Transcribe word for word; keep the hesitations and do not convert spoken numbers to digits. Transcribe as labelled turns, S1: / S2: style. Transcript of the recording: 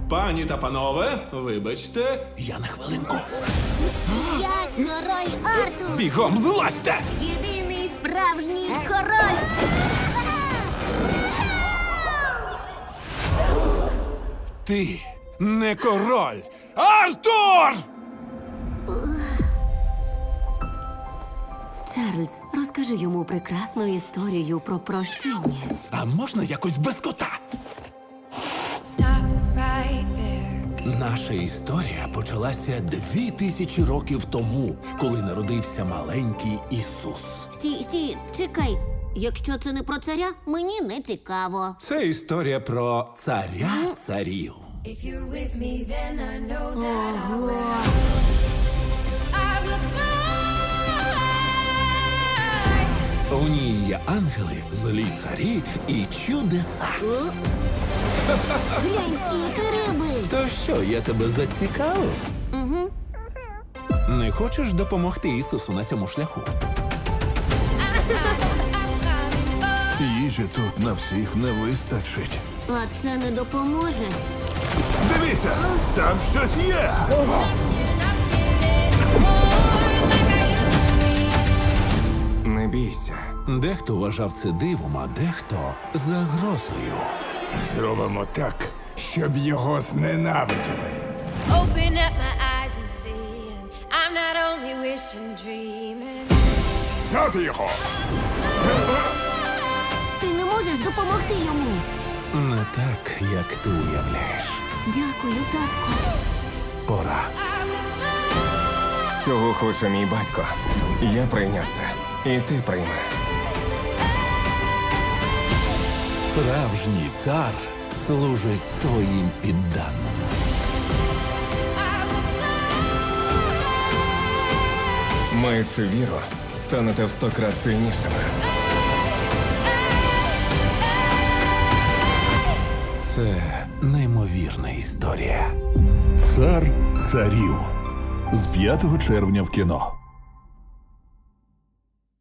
S1: Пані та панове, вибачте, я на хвилинку.
S2: Я король Артур!
S1: Бігом злазьте!
S2: Єдиний справжній король!
S1: Ти не король! Артур!
S3: Чарльз, розкажи йому прекрасну історію про прощення.
S1: А можна якось без кота?
S4: Stop right there.
S1: Наша історія почалася дві тисячі років тому, коли народився маленький Ісус.
S2: Стій, стій, чекай. Якщо це не про царя, мені не цікаво.
S1: Це історія про царя царів.
S4: If you're with me, then I know that I will. I will fly.
S1: У ній є ангели, злі царі і чудеса.
S2: О? Глянь, скільки риби!
S1: То що, я тебе зацікавив?
S2: Угу.
S1: Не хочеш допомогти Ісусу на цьому шляху?
S5: Їжі тут на всіх не вистачить.
S2: А це не допоможе.
S5: Дивіться, там щось є.
S6: Не бійся.
S1: Дехто вважав це дивом, а дехто загрозою.
S5: Зробимо так, щоб його зненавиділи.
S4: Open up my eyes and see. And I'm not only wishing, dreaming.
S5: Взяти його!
S2: Ти не можеш допомогти йому.
S1: Не так, як ти уявляєш.
S2: Дякую, татку.
S1: Пора.
S6: Цього хоче мій батько. Я прийняв це. І ти прийми.
S1: Справжній цар служить своїм підданим.
S6: Маючи віру, станете в сто крат сильнішими.
S1: Це неймовірна історія.
S5: Цар царів з п'ятого червня в кіно.